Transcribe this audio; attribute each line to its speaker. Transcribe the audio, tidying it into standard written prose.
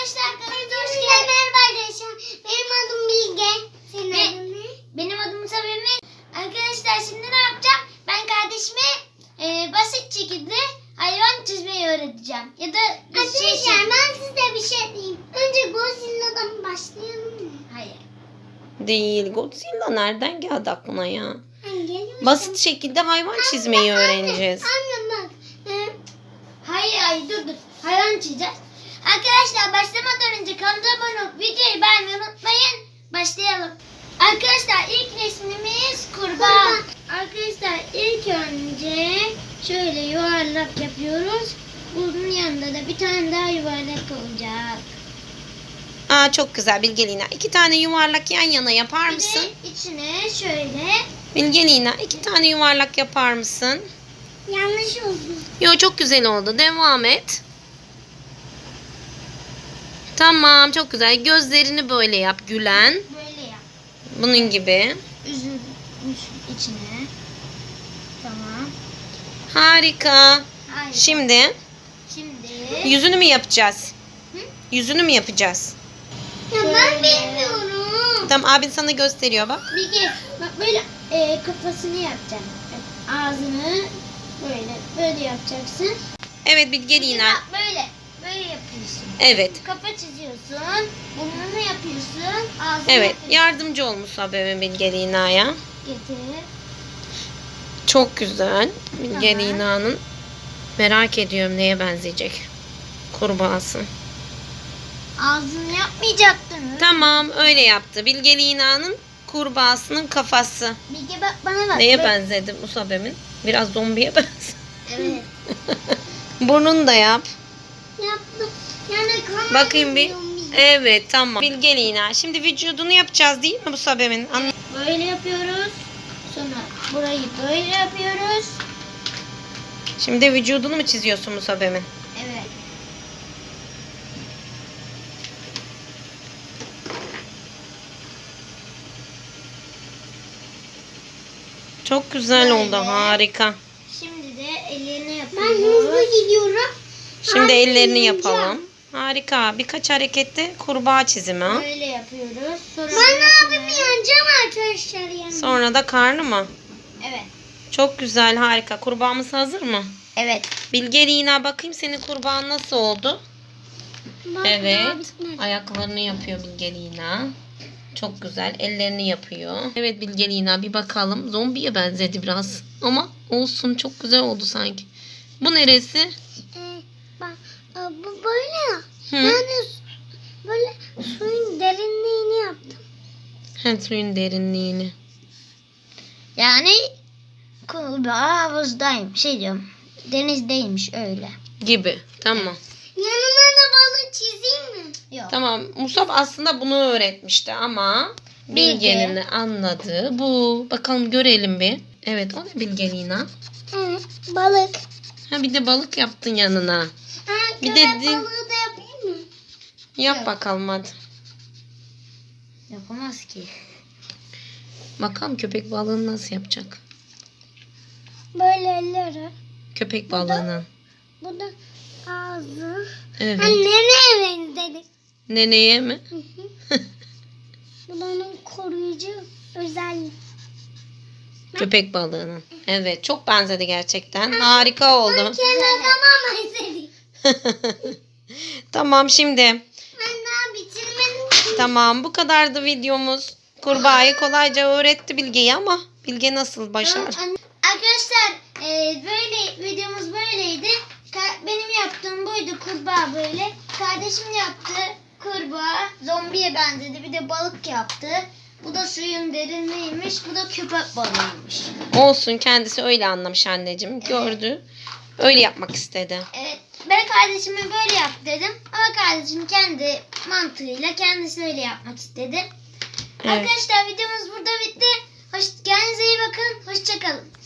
Speaker 1: Arkadaşlar kanalımıza hoş geldiniz. Merhaba arkadaşlar. Benim adım Bilge. Senin adın ne? Benim adım Sabine. Arkadaşlar şimdi ne yapacağım? Ben kardeşime basit şekilde hayvan çizmeyi öğreteceğim. Ya da arkadaşlar ben size bir şey diyeyim. Önce Godzilla'dan başlayalım mı? Hayır.
Speaker 2: Değil. Godzilla nereden geldi aklına ya?
Speaker 1: Geliyor
Speaker 2: Basit şekilde hayvan çizmeyi öğreneceğiz.
Speaker 1: Anne bak. Hayır dur. Hayvan çizeceğiz. Arkadaşlar başlamadan önce kanalımıza abone olup videoyu beğenmeyi unutmayın. Başlayalım. Arkadaşlar ilk resmimiz kurbağa. Arkadaşlar ilk önce şöyle yuvarlak yapıyoruz. Bunun yanında da bir tane daha yuvarlak olacak.
Speaker 2: Aa, çok güzel Bilgelina. 2 tane yuvarlak yan yana yapar
Speaker 1: Bir
Speaker 2: mısın?
Speaker 1: de içine şöyle.
Speaker 2: Bilgelina 2 tane yuvarlak yapar mısın?
Speaker 1: Yanlış oldu.
Speaker 2: Yo, çok güzel oldu. Devam et. Tamam, çok güzel. Gözlerini böyle yap, gülen.
Speaker 1: Böyle yap.
Speaker 2: Bunun gibi.
Speaker 1: Üzülmüş içine. Tamam.
Speaker 2: Harika.
Speaker 1: Hayır.
Speaker 2: Şimdi
Speaker 1: Şimdi.
Speaker 2: yüzünü mü yapacağız?
Speaker 1: Hı?
Speaker 2: Yüzünü mü yapacağız?
Speaker 1: Ya ben bilmiyorum.
Speaker 2: Tamam, abin sana gösteriyor bak.
Speaker 1: Bilge bak böyle kafasını yapacaksın. Ağzını böyle yapacaksın.
Speaker 2: Evet Bilgelina.
Speaker 1: Bak böyle yapıyorsun.
Speaker 2: Evet.
Speaker 1: Kafa çiziyorsun. Burnunu yapıyorsun. Ağzını
Speaker 2: Evet.
Speaker 1: yapıyorsun.
Speaker 2: Yardımcı olmuş abimin Bilgelina'ya.
Speaker 1: Getir.
Speaker 2: Çok güzel. Bilgelina'nın merak ediyorum neye benzeyecek. Kurbağası.
Speaker 1: Ağzını yapmayacaktın.
Speaker 2: Tamam, öyle yaptı. Bilgelina'nın kurbağasının kafası.
Speaker 1: Bilge bak bana bak.
Speaker 2: Neye
Speaker 1: Böyle-
Speaker 2: benzedi Musabem'in? Biraz zombiye benziyor.
Speaker 1: Evet.
Speaker 2: Burnunu da yap.
Speaker 1: Yaptım. Yani kanal
Speaker 2: Bakayım bir.
Speaker 1: izliyorum Bilge.
Speaker 2: Evet, tamam. Bilgelina. Şimdi vücudunu yapacağız değil mi Musabem'in?
Speaker 1: Böyle yapıyoruz. Sonra burayı böyle yapıyoruz.
Speaker 2: Şimdi vücudunu mu çiziyorsun Musabem'in?
Speaker 1: Evet.
Speaker 2: Çok güzel
Speaker 1: Böyle.
Speaker 2: oldu. Harika.
Speaker 1: Şimdi de ellerini yapıyoruz. Ben hızlı gidiyorum.
Speaker 2: Şimdi ellerini yapalım. Harika. Birkaç harekette kurbağa çizimi.
Speaker 1: Böyle yapıyoruz. Sonra ben abimi yanacağım arkadaşlar yani.
Speaker 2: Sonra da karnı mı?
Speaker 1: Evet.
Speaker 2: Çok güzel, harika. Kurbağamız hazır mı?
Speaker 1: Evet.
Speaker 2: Bilgelina, bakayım senin kurbağan nasıl oldu?
Speaker 1: Bak,
Speaker 2: Evet. Ayaklarını yapıyor Bilgelina. Çok güzel. Ellerini yapıyor. Evet Bilgelina, bir bakalım. Zombiye benzedi biraz. Ama olsun, çok güzel oldu sanki. Bu neresi?
Speaker 1: Bak bu böyle.
Speaker 2: Hı.
Speaker 1: Yani böyle suyun derinliğini yaptım.
Speaker 2: Suyun derinliğini.
Speaker 1: Yani kurbağa havuzdayım. Şey diyorum. Denizdeymiş öyle.
Speaker 2: Gibi. Tamam.
Speaker 1: Yanına da balık çizeyim mi? Yok.
Speaker 2: Tamam. Musab aslında bunu öğretmişti ama Bilge'nin anladığı bu. Bakalım görelim bir. Evet, o ne Bilgelina?
Speaker 1: Evet, balık.
Speaker 2: Ha, bir de balık yaptın yanına.
Speaker 1: Ha,
Speaker 2: Bir
Speaker 1: köpek
Speaker 2: de
Speaker 1: balığı da yapayım mı?
Speaker 2: Yap
Speaker 1: Yok.
Speaker 2: bakalım hadi.
Speaker 1: Yapamaz ki.
Speaker 2: Bakalım köpek balığını nasıl yapacak?
Speaker 1: Böyle elleri.
Speaker 2: Köpek balığının.
Speaker 1: Bu da ağzı.
Speaker 2: Evet.
Speaker 1: Nereye benzedi?
Speaker 2: Neneye mi?
Speaker 1: Bu da onun koruyucu özelliği.
Speaker 2: Köpek balığının. Evet, çok benzedi gerçekten. Harika oldu.
Speaker 1: Tamam benzedi.
Speaker 2: Tamam, şimdi.
Speaker 1: Ben daha bitirmedim.
Speaker 2: Tamam, bu kadardı videomuz. Kurbağayı kolayca öğretti Bilge'yi ama Bilge nasıl başardı?
Speaker 1: Arkadaşlar böyle videomuz böyleydi. Benim yaptığım buydu, kurbağa böyle. Kardeşim yaptı kurbağa, zombiye benzedi, bir de balık yaptı. Bu da suyun derinliğiymiş, bu da köpek balığıymış.
Speaker 2: Olsun, kendisi öyle anlamış anneciğim. Gördü. Öyle yapmak istedi.
Speaker 1: Evet, ben kardeşime böyle yap dedim ama kardeşim kendi mantığıyla kendisi öyle yapmak istedi.
Speaker 2: Evet.
Speaker 1: Arkadaşlar videomuz burada bitti. Kendinize iyi bakın, hoşça kalın.